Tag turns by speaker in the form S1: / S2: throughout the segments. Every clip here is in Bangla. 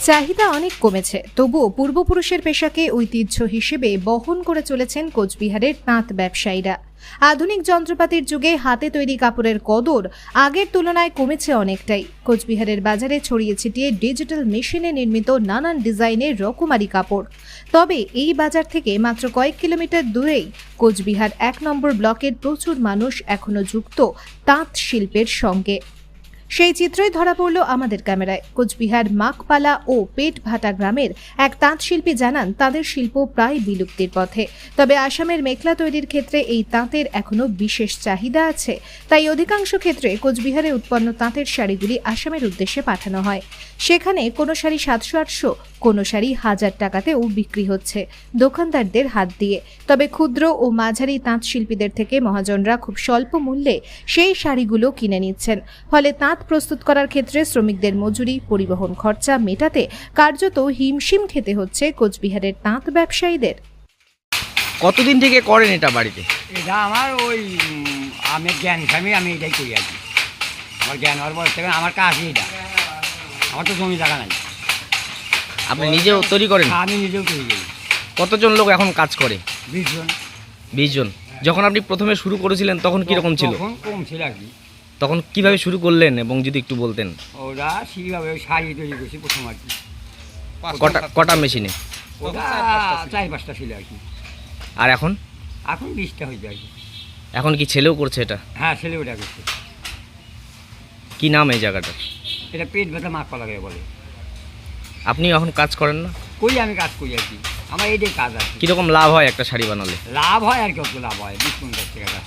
S1: চাহিদা অনেক কমেছে, তবুও পূর্বপুরুষের পেশাকে ঐতিহ্য হিসেবে বহন করে চলেছেন কোচবিহারের তাঁত ব্যবসায়ীরা। আধুনিক যন্ত্রপাতির যুগে হাতে তৈরি কাপড়ের কদর আগের তুলনায় কমেছে অনেকটাই। কোচবিহারের বাজারে ছড়িয়ে ছিটিয়ে ডিজিটাল মেশিনে নির্মিত নানান ডিজাইনের রকমারি কাপড়। তবে এই বাজার থেকে মাত্র কয়েক কিলোমিটার দূরেই কোচবিহার ১ নম্বর ব্লকের প্রচুর মানুষ এখনো যুক্ত তাঁত শিল্পের সঙ্গে। সেই চিত্রই ধরা পড়ল আমাদের ক্যামেরায়। কোচবিহার মাকপালা ও পেটভাটা গ্রামের এক তাঁত শিল্পী জানান, তাদের শিল্প প্রায় বিলুপ্তির পথে। তবে আসামের মেখলা তৈরির ক্ষেত্রে এই তাঁতের এখনো বিশেষ চাহিদা আছে। তাই অধিকাংশ ক্ষেত্রে কোচবিহারে উৎপন্ন তাঁতের শাড়িগুলি আসামের উদ্দেশ্যে পাঠানো হয়। সেখানে কোনো শাড়ি ৭০০-৮০০, কোনো শাড়ি ১০০০ টাকাতেও বিক্রি হচ্ছে দোকানদারদের হাত দিয়ে। তবে ক্ষুদ্র ও মাঝারি তাঁত শিল্পীদের থেকে মহাজনরা খুব স্বল্প মূল্যে সেই শাড়িগুলো কিনে নিচ্ছেন। ফলে তাঁত প্রস্তুত করার ক্ষেত্রে শ্রমিকদের মজুরি, পরিবহন খরচা মেটাতে কার্যত হিমশিম খেতে হচ্ছে কোচবিহারের তাঁত ব্যবসায়ীদের।
S2: কতদিন থেকে করেন এটা বাড়িতে?
S3: এটা আমার আমি জ্ঞান হিসাবে আমি এটাই করি আর কি। আমার জ্ঞান হওয়ার পর থেকে আমার কাজই এটা। আমার তো জমি জায়গা নাই।
S2: আপনি নিজেও তৈরি করেন?
S3: আমি নিজেও তৈরি করি।
S2: কতজন লোক এখন কাজ করে?
S3: ২০ জন।
S2: ২০ জন। যখন আপনি প্রথমে শুরু করেছিলেন তখন কিরকম ছিল?
S3: তখন কম ছিল আর কি।
S2: তখন কিভাবে শুরু করলেন এবং যদি একটু বলতেন?
S3: ওরা সেইভাবে শাড়ি তৈরি করছি প্রথম আর কি।
S2: কটা মেশিনে?
S3: ওটা ৪-৫টা ছিল আর কি।
S2: আর এখন?
S3: এখন ২০টা হয়েছে আর কি।
S2: এখন কি ছেলেও করছে এটা?
S3: হ্যাঁ, ছেলে ওটা করছে।
S2: কি নাম এই জায়গাটা?
S3: এটা পেট ব্যথা মাকপালা বলে।
S2: আপনি এখন কাজ করেন না?
S3: করি, আমি কাজ করি আর কি। আমার এইটাই কাজ আর কি।
S2: কিরকম লাভ হয় একটা শাড়ি বানালে?
S3: লাভ হয় আর কি, অত লাভ হয় ২০-৫০ টাকা দেখা।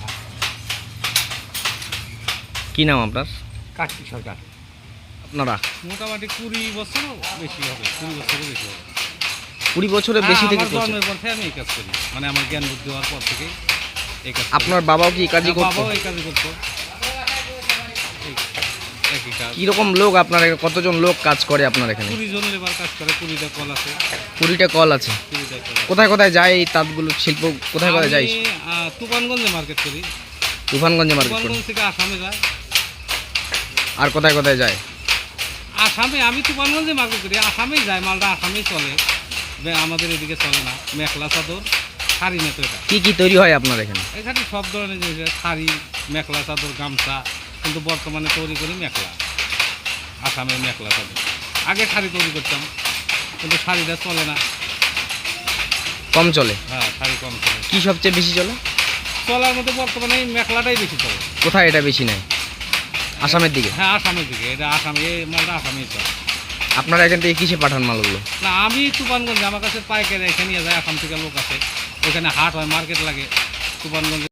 S2: কি নাম আপনার?
S3: কার্তিক সরকার।
S2: আপনারা?
S4: মোটামুটি 20 বছরও বেশি হবে, 20 বছরও বেশি হবে।
S2: 20 বছরের বেশি থেকে
S4: আমার জন্মের পর থেকে আমি এই কাজ করি, মানে আমার জ্ঞান বুদ্ধি হওয়ার পর থেকে এই কাজ করি।
S2: আপনার বাবাও কি এই কাজই করতো?
S4: বাবাও এই কাজই করতো। একই কাজ।
S2: কিরকম লোক আপনার কতজন লোক কাজ করে আপনার এখানে?
S4: 20 জন লেবার কাজ করে, 20টা কল আছে।
S2: 20টা কল আছে।
S4: 20টা কল আছে।
S2: কোথায় কোথায় যায় এই তাঁতগুলো শিল্প? কোথায় কোথায় যায়?
S4: আমি তুফানগঞ্জে মার্কেট করি।
S2: তুফানগঞ্জে মার্কেট করেন?
S4: তুফানগঞ্জ থেকে আসামে যায়।
S2: আর কোথায় কোথায় যায়?
S4: আসামে আমি তুফানগঞ্জে মার্কেট করি, আসামেই যায় মালটা, আসামেই চলে। আমাদের এদিকে চলে না। মেখলা চাদর, শাড়ি নেতো এটা।
S2: কি কি তৈরি হয় আপনার এখানে?
S4: এখানে সব ধরনের জিনিস, শাড়ি, মেখলা চাদর, গামছা, কিন্তু বর্তমানে তৈরি করি মেখলা। আসামের মেখলা চাদর। আগে শাড়ি তৈরি করতাম, কিন্তু শাড়িটা চলে না।
S2: কম চলে?
S4: হ্যাঁ, শাড়ি কম চলে।
S2: কি সবচেয়ে বেশি চলে?
S4: চলার মধ্যে বর্তমানে এই মেখলাটাই বেশি চলে।
S2: কোথায় এটা বেশি নেয়? আসামের দিকে?
S4: হ্যাঁ, আসামের দিকে। এটা আসামে, এই মালটা আসামেই চলে।
S2: আপনারা এখান থেকে কিসে পাঠান মালগুলো?
S4: না, আমি তুফানগঞ্জে, আমার কাছে পাইকারি এখানে যায়, আসাম থেকে লোক আছে। ওখানে হাট হয়, মার্কেট লাগে তুফানগঞ্জে।